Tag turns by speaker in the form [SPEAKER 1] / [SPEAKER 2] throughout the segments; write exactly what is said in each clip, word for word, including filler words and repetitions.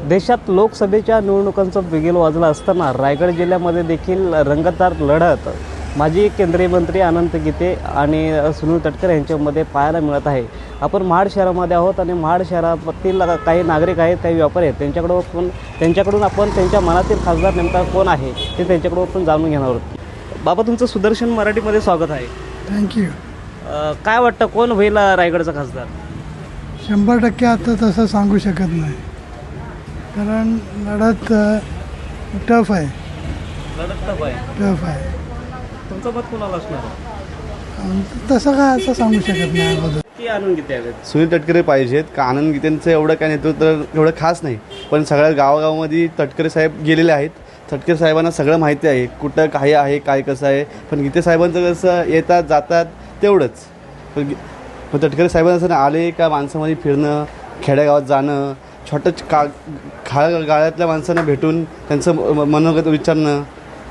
[SPEAKER 1] देशात लोकसभेच्या निवडणुकांचं बिगुल वाजलं असताना रायगड जिल्ह्यामध्ये देखील रंगतदार लढत माजी केंद्रीय मंत्री अनंत गीते आणि सुनील तटकरे यांच्यामध्ये पाहायला मिळत आहे। आपण महाड शहरामध्ये आहोत आणि महाड शहरातील काही नागरिक आहेत, काही व्यापारी आहेत, त्यांच्याकडून आपण त्यांच्याकडून आपण त्यांच्या मनातील खासदार नेमका कोण आहे ते त्यांच्याकडून आपण जाणून घेणार आहोत। बाबा, तुमचं सुदर्शन मराठीमध्ये स्वागत आहे।
[SPEAKER 2] थँक्यू।
[SPEAKER 1] काय वाटतं कोण होईल रायगडचा खासदार?
[SPEAKER 2] शंभर टक्के आता तसं सांगू शकत नाही, कारण लढत टफ आहे
[SPEAKER 1] लढत टफ आहे
[SPEAKER 2] टफ आहे
[SPEAKER 1] तुमचं मत कोणाला असणार?
[SPEAKER 2] तसं काय असं सांगू शकत नाही अगोदर
[SPEAKER 1] की आनंद गीते आहेत?
[SPEAKER 3] सुनील तटकरे पाहिजेत का आनंद गीतेंचं एवढं काय नेतृत्व एवढं खास नाही, पण सगळ्या गावागावामध्ये तटकरे साहेब गेलेले आहेत। तटकरे साहेबांना सगळं माहिती आहे, कुठं काय आहे काय कसं आहे। पण गीते साहेबांचं कसं येतात जातात तेवढंच, पण पण तटकरे साहेबांना असं आले का माणसामध्ये फिरणं, खेड्यागावात जाणं, छोटं का खा गाळ्यातल्या माणसांना भेटून त्यांचं मनोगत विचारणं।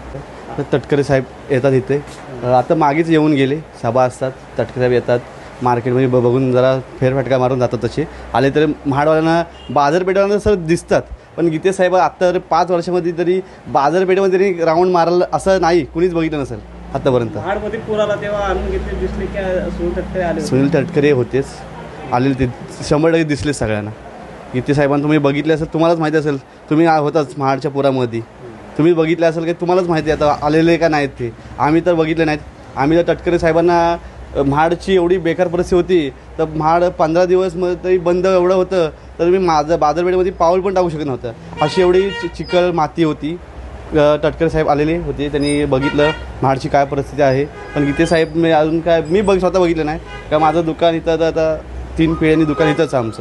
[SPEAKER 3] तटकरे साहेब येतात इथे, आता मागेच येऊन गेले, सभा असतात, तटकरे साहेब येतात मार्केटमध्ये ब बघून जरा फेरफटका मारून जातात। तसे आले तरी महाडवाल्यांना बाजारपेठांना सर दिसतात, पण गीते साहेब आत्ता पाच वर्षामध्ये तरी बाजारपेठेमध्ये तरी राऊंड मारायला असं नाही कुणीच बघितलं नसेल आत्तापर्यंत।
[SPEAKER 1] महाडमध्ये पूर आला तेव्हा आनंद गीते दिसले की सुनील तटकरे आले?
[SPEAKER 3] सुनील तटकरे होतेच, आलेले ते शंभर टक्के दिसले सगळ्यांना। गीते साहेबांना तुम्ही बघितले असेल, तुम्हालाच माहिती असेल, तुम्ही होताच महाडच्या पुरामध्ये, तुम्ही बघितले असेल की तुम्हालाच माहिती आहे आता आलेले का नाहीत ते। आम्ही तर बघितले नाहीत। आम्ही तर तटकरे साहेबांना महाडची एवढी बेकार परिस्थिती होती तर महाड पंधरा दिवस मध्ये तरी बंद एवढं होतं तर मी माझं बाजारपेठेमध्ये पाऊल पण टाकू शकत नव्हतं, अशी एवढी चि चिखल माती होती। तटकरे साहेब आलेले होते, त्यांनी बघितलं महाडची काय परिस्थिती आहे। पण गीते साहेब मी अजून काय मी बघ स्वतः बघितलं नाही का, माझं दुकान इथं आता तीन पिढ्यांनी दुकान इथंच आमचं,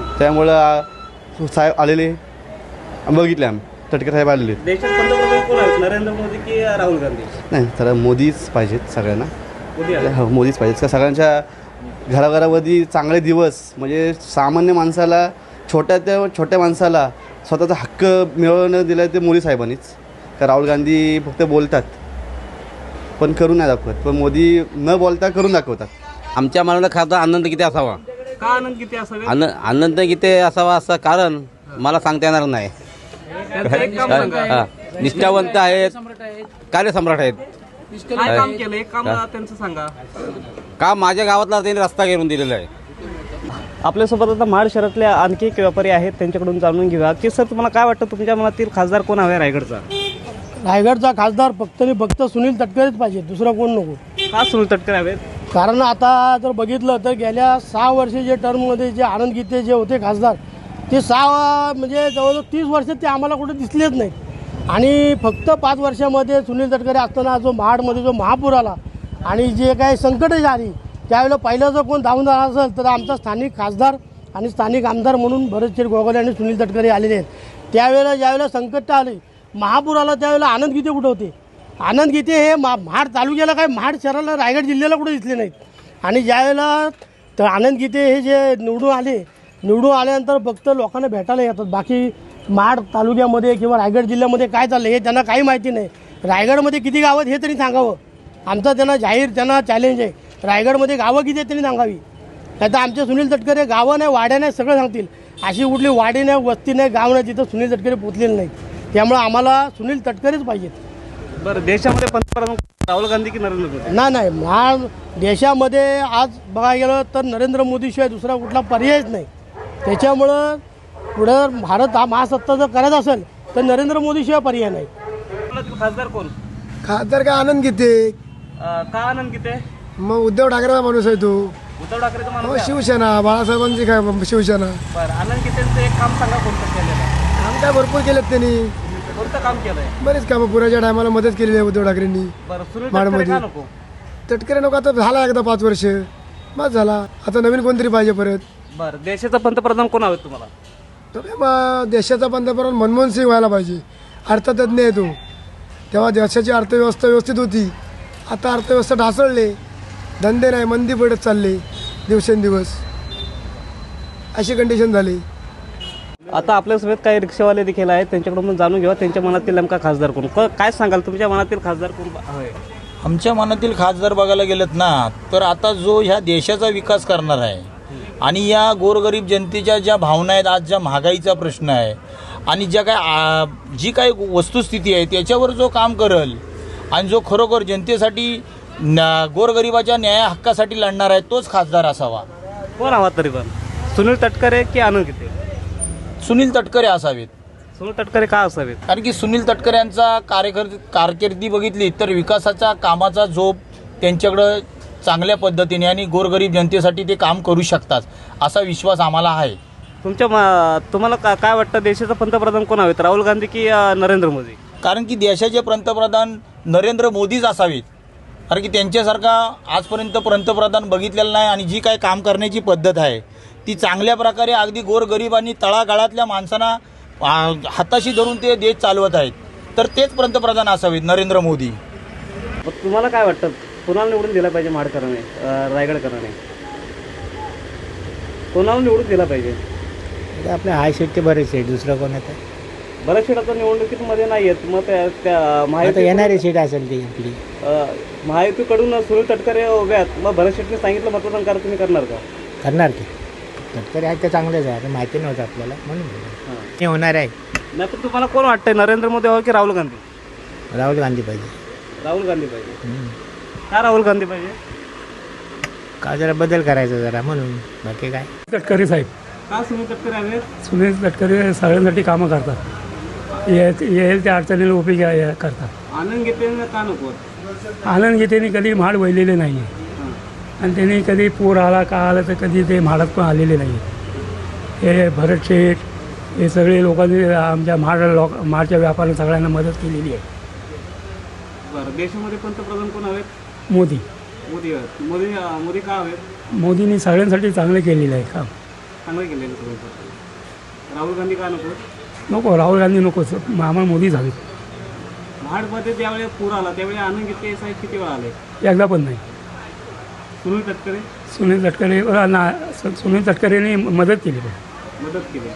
[SPEAKER 3] त्यामुळं साहेब आलेले बघितले आम्ही। तटकरे साहेब आलेले।
[SPEAKER 1] देशात पंतप्रधान कोण आहेत, नरेंद्र मोदी की राहुल गांधी?
[SPEAKER 3] नाही, तर मोदीच पाहिजेत सगळ्यांना,
[SPEAKER 1] मोदी
[SPEAKER 3] हो मोदीच पाहिजेत का सगळ्यांच्या घराघरामध्ये चांगले दिवस, म्हणजे सामान्य माणसाला, छोट्या त्या छोट्या माणसाला स्वतःचा हक्क मिळवणं दिलं ते मोदी साहेबांनीच। का राहुल गांधी फक्त बोलतात पण करून नाही दाखवत, पण मोदी न बोलता करून दाखवतात।
[SPEAKER 4] आमच्या मनाला खासदार आनंद गीते असावा।
[SPEAKER 1] का आनंद गीते असावे?
[SPEAKER 4] आनंद आनंद गीते असावा असं कारण मला सांगता येणार नाही।
[SPEAKER 1] त्यांचं एक काम सांगा.
[SPEAKER 4] हा, निष्ठावंत आहेत, कार्यसम्राट आहेत।
[SPEAKER 1] काय काम केलं एक काम त्यांचं सांगा।
[SPEAKER 4] का माझ्या गावातला त्यांनी रस्ता घेऊन दिलेला आहे।
[SPEAKER 1] आपल्यासोबत आता महाड शहरातले आणखी एक व्यापारी आहेत, त्यांच्याकडून जाणून घेऊया की सर तुम्हाला काय वाटतं तुमच्या मनातील खासदार कोण हवे रायगडचा?
[SPEAKER 2] रायगडचा खासदार फक्त आणि फक्त सुनील तटकरेच पाहिजे, दुसरा कोण नको।
[SPEAKER 1] का सुनील तटकरे हवेत?
[SPEAKER 2] कारण आता जर बघितलं तर गेल्या सहा वर्षे जे टर्ममध्ये जे आनंद गीते जे होते खासदार, ते सहा म्हणजे जवळजवळ तीस वर्ष ते आम्हाला कुठे दिसलेच नाहीत। आणि फक्त पाच वर्षामध्ये सुनील तटकरे असताना जो महाडमध्ये जो महापूर आला आणि जे काही संकटं आली, त्यावेळेला पहिलं जर कोण धावून जाणार असेल तर आमचा स्थानिक खासदार आणि स्थानिक आमदार म्हणून भरतशेठ गोगावले आणि सुनील तटकरे आलेले आहेत। त्यावेळेला ज्यावेळेला संकट आले, महापूर आला, त्यावेळेला आनंद गीते कुठे होते? आनंद गीते हे मा महाड तालुक्याला काय महाड शहराला रायगड जिल्ह्याला कुठे दिसले नाहीत। आणि ज्यावेळेला तर आनंद गीते हे जे निवडून आले, निवडून आल्यानंतर फक्त लोकांना भेटायला येतात, बाकी महाड तालुक्यामध्ये किंवा रायगड जिल्ह्यामध्ये काय चाललं हे त्यांना काही माहिती नाही। रायगडमध्ये किती गावं आहेत हे तरी सांगावं, आमचा त्यांना जाहीर त्यांना चॅलेंज आहे। रायगडमध्ये गावं किती आहेत त्यांनी सांगावी। आता आमचे सुनील तटकरे गावं नाही, वाड्या नाही, सगळं सांगतील। अशी कुठली वाडी नाही, वस्ती नाही, गाव नाही जिथं सुनील तटकरे पोचलेले नाहीत। त्यामुळं आम्हाला सुनील तटकरेच पाहिजेत।
[SPEAKER 1] बरं, देशामध्ये पंतप्रधान राहुल गांधी की नरेंद्र मोदी?
[SPEAKER 2] नाही नाही, महा देशामध्ये आज बघायला गेलं तर नरेंद्र मोदीशिवाय दुसरा कुठला पर्यायच नाही। त्याच्यामुळं पुढं भारत हा महासत्ता जर करत असेल तर नरेंद्र मोदीशिवाय पर्याय नाही।
[SPEAKER 1] खासदार कोण?
[SPEAKER 5] खासदार काय आनंद गीते।
[SPEAKER 1] का आनंद गीते?
[SPEAKER 5] मग उद्धव ठाकरेचा माणूस आहे तो।
[SPEAKER 1] उद्धव ठाकरेचा
[SPEAKER 5] हो,
[SPEAKER 1] माणूस?
[SPEAKER 5] शिवसेना, बाळासाहेबांची काय शिवसेना।
[SPEAKER 1] बरं, आनंद गीतेंचं एक काम सांगा कोणतं केलेलं?
[SPEAKER 5] काम काय भरपूर केलेत त्यांनी,
[SPEAKER 1] कोणतं काम केलंय?
[SPEAKER 5] बरेच कामं पुराच्या टायमाला मदत केलेली आहे उद्धव ठाकरेंनी।
[SPEAKER 1] बरं, सुनील तटकरे का नको?
[SPEAKER 5] तटकरे नको, आता झाला एकदा पाच वर्ष बस झाला, आता नवीन कोणतरी पाहिजे परत।
[SPEAKER 1] बरं, देशाचा पंतप्रधान कोण हवेत तुम्हाला?
[SPEAKER 5] तो काय बा देशाचा पंतप्रधान मनमोहन सिंग व्हायला पाहिजे, अर्थतज्ञ आहे तो। तेव्हा देशाची अर्थव्यवस्था व्यवस्थित होती, आता अर्थव्यवस्था ढासळले, धंदे नाही, मंदी पडत चालले दिवसेंदिवस, अशी कंडिशन झाली।
[SPEAKER 1] आता आपल्यासोबत काही रिक्षावाले देखील आहेत, त्यांच्याकडून जाणून घेऊया त्यांच्या मनातील नेमका खासदार कोण। काय सांगाल तुमच्या मनातील खासदार कोण हवे?
[SPEAKER 6] आमच्या मनातील खासदार बघायला गेलेत ना तर आता जो ह्या देशाचा विकास करणार आहे आणि या गोरगरीब जनतेच्या ज्या भावना आहेत, आज ज्या महागाईचा प्रश्न आहे, आणि ज्या काय आ, जी काही वस्तुस्थिती आहे त्याच्यावर जो काम करल आणि जो खरोखर जनतेसाठी न गोरगरिबाच्या न्याय हक्कासाठी लढणार आहे तोच खासदार असावा.
[SPEAKER 1] कोण हवा तरी पण सुनील तटकरे की आनंद गीते?
[SPEAKER 6] सुनील तटकरे असावेत.
[SPEAKER 1] सुनील तटकरे का असावेत?
[SPEAKER 6] कारण की सुनील तटकरे यांचा कार्यकर कारकिर्दी बघितली तर विकासाचा कामाचा जोप त्यांच्याकडं चांगल्या पद्धतीने आणि गोरगरीब जनतेसाठी ते काम करू शकतात असा विश्वास आम्हाला आहे.
[SPEAKER 1] तुमच्या म- तुम्हाला का काय वाटतं देशाचा पंतप्रधान कोण हवेत, राहुल गांधी की अ, नरेंद्र मोदी?
[SPEAKER 6] कारण की देशाचे पंतप्रधान नरेंद्र मोदीच असावेत. कारण की त्यांच्यासारखा आजपर्यंत पंतप्रधान बघितलेला नाही आणि जी काय काम करण्याची पद्धत आहे ती चांगल्या प्रकारे अगदी गोरगरीब आणि तळागाळातल्या माणसांना आ, हाताशी धरून ते देश चालवत आहेत. तर तेच पंतप्रधान असावेत नरेंद्र मोदी.
[SPEAKER 1] मग तुम्हाला काय वाटतं कोणाला निवडून दिला पाहिजे महाडकरांनी, अ, रायगडकरांनी? कोणाला निवडून दिला पाहिजे?
[SPEAKER 7] आपले हाय शेट ते बरेच आहे, दुसरं कोण आहे?
[SPEAKER 1] बऱ्याच सीट आता निवडणुकीमध्ये नाही आहेत. मग त्या त्या
[SPEAKER 7] आता
[SPEAKER 1] महायुती
[SPEAKER 7] येणारी सीट असेल ती आपली.
[SPEAKER 1] अ, महायुतीकडून सुनील तटकरे उभे आहेत. मग भरत शेट्टीने सांगितलं मतदान करा, तुम्ही करणार का?
[SPEAKER 7] करणार की तटकरे आहेत ते चांगलेच आहे, आता माहिती नव्हतं आपल्याला म्हणून
[SPEAKER 1] हां.
[SPEAKER 7] हे होणार आहे.
[SPEAKER 1] नाही पण तुम्हाला कोण वाटतंय, नरेंद्र मोदी हवं की राहुल गांधी?
[SPEAKER 7] राहुल गांधी पाहिजे.
[SPEAKER 1] राहुल गांधी पाहिजे.
[SPEAKER 7] हम्म.
[SPEAKER 1] का राहुल गांधी पाहिजे?
[SPEAKER 7] का जरा बदल करायचा जरा म्हणून, बाकी काय.
[SPEAKER 2] तटकरे साहेब,
[SPEAKER 1] का सुनील तटकरे हवेत?
[SPEAKER 2] सुनील तटकरे सगळ्यांसाठी कामं करतात, येईल त्या अडचणीला उभी करतात.
[SPEAKER 1] आनंद गीते का नको?
[SPEAKER 2] आनंद गीतेने कधी म्हाड वळलेले नाही आहे आणि त्यांनी कधी पूर आला का आला तर कधी ते म्हाडात पण आलेले नाही. हे भरत शेठ हे सगळे लोकांनी आमच्या म्हाड लोक म्हाडच्या व्यापाऱ्यांना सगळ्यांना मदत केलेली आहे.
[SPEAKER 1] बरं, देशामध्ये पंतप्रधान कोण हवेत?
[SPEAKER 2] मोदी
[SPEAKER 1] मोदी हवेत. मोदी अं, मोदी का हवेत?
[SPEAKER 2] मोदींनी सगळ्यांसाठी चांगलं केलेलं आहे काम.
[SPEAKER 1] चांगलं केलेलं सगळं. राहुल गांधी का नको?
[SPEAKER 2] नको, राहुल गांधी नकोच, आम्हाला मोदीच हवे.
[SPEAKER 1] महाडमध्ये ज्यावेळी पूर आला त्यावेळी आनंद गीते साहेब किती वेळा आले?
[SPEAKER 2] एकदा पण नाही.
[SPEAKER 1] सुनील तटकरे
[SPEAKER 2] सुनील तटकरे ना सुनील तटकरेने मदत केली पण.
[SPEAKER 1] मदत केली.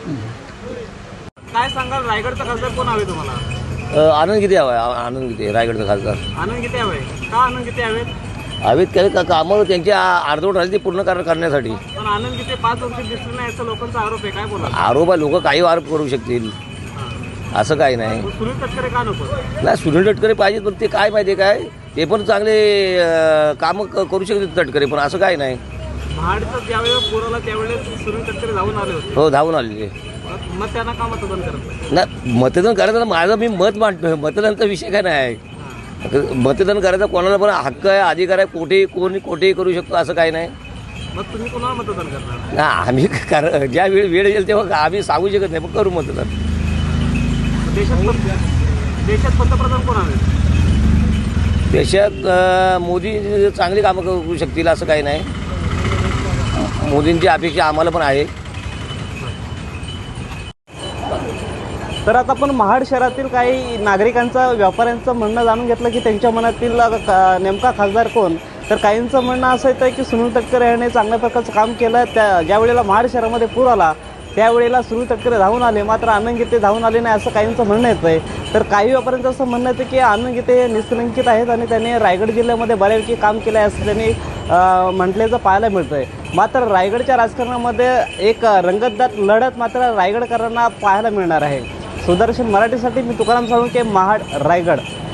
[SPEAKER 1] काय सांगाल, रायगडचा खासदार कोण हवे तुम्हाला?
[SPEAKER 4] आनंद किती हवा आहे? आनंद किती रायगडचा खासदार
[SPEAKER 1] आनंद गीते हवे. का आनंद गीते हवेत?
[SPEAKER 4] हवेत काही का कामं त्यांची अर्धवट राहिली ती पूर्ण कर करण्यासाठी.
[SPEAKER 1] पण आनंद गीते पाच वर्ष दिसले नाही असं लोकांचा आरोप आहे, काय बोला?
[SPEAKER 4] आरोप आहे, लोक काही आरोप करू शकतील, असं काही नाही.
[SPEAKER 1] मग सुनील तटकरे का नको?
[SPEAKER 4] नाही, सुनील तटकरे पाहिजेत पण ते काय माहिती आहे काय, ते पण चांगले अं, कामं क- करू शकतात तटकरे, पण असं काही नाही.
[SPEAKER 1] महाडचं ज्यावेळेस पूर आला त्यावेळेस सुनील तटकरे धावून आले होते.
[SPEAKER 4] हो, धावून आलेले.
[SPEAKER 1] मग त्यांना का मतदान करत?
[SPEAKER 4] नाही, मतदान करायचं माझं मी मत मांडतो, मतदानाचा विषय काय नाही. मतदान करायचा कोणाला पण हक्क आहे, अधिकार आहे, कोठेही कोणी कोठेही करू शकतो, असं काही नाही.
[SPEAKER 1] मग तुम्ही कोणाला मतदान करणार?
[SPEAKER 4] ना आम्ही कर ज्या वेळ वेळ येईल तेव्हा आम्ही सांगू शकत नाही, पण करू मतदान.
[SPEAKER 1] देशात पंत- देशात पंतप्रधान कोण हवे?
[SPEAKER 4] देशात अं, मोदी चांगली कामं करू शकतील, असं काही नाही. मोदींची अपेक्षा आम्हाला पण आहे.
[SPEAKER 1] तर आता आपण महाड शहरातील काही नागरिकांचं, व्यापाऱ्यांचं म्हणणं जाणून घेतलं की त्यांच्या मनातील का- नेमका खासदार कोण. तर काहींचं म्हणणं असं येतं की सुनील तटकरे याने चांगल्या प्रकारचं काम केलं. त्या ज्या वेळेला महाड शहरामध्ये पूर आला त्यावेळेला सुनील तटकरे धावून आले, मात्र आनंद गीते धावून आले नाही असं काहींचं म्हणणं येतं आहे. तर काही व्यापाऱ्यांचं असं म्हणणं येतं की आनंद गीते निष्कलंकित आहेत आणि त्यांनी रायगड जिल्ह्यामध्ये बऱ्यापैकी काम केलं आहे असं त्यांनी अं, म्हटल्याचं पाहायला मिळतं आहे. मात्र रायगडच्या राजकारणामध्ये एक रंगतदार लढत मात्र रायगडकरांना पाहायला मिळणार आहे. सुदर्शन मराठीसाठी मी तुकाराम साळुंके, महाड, रायगड.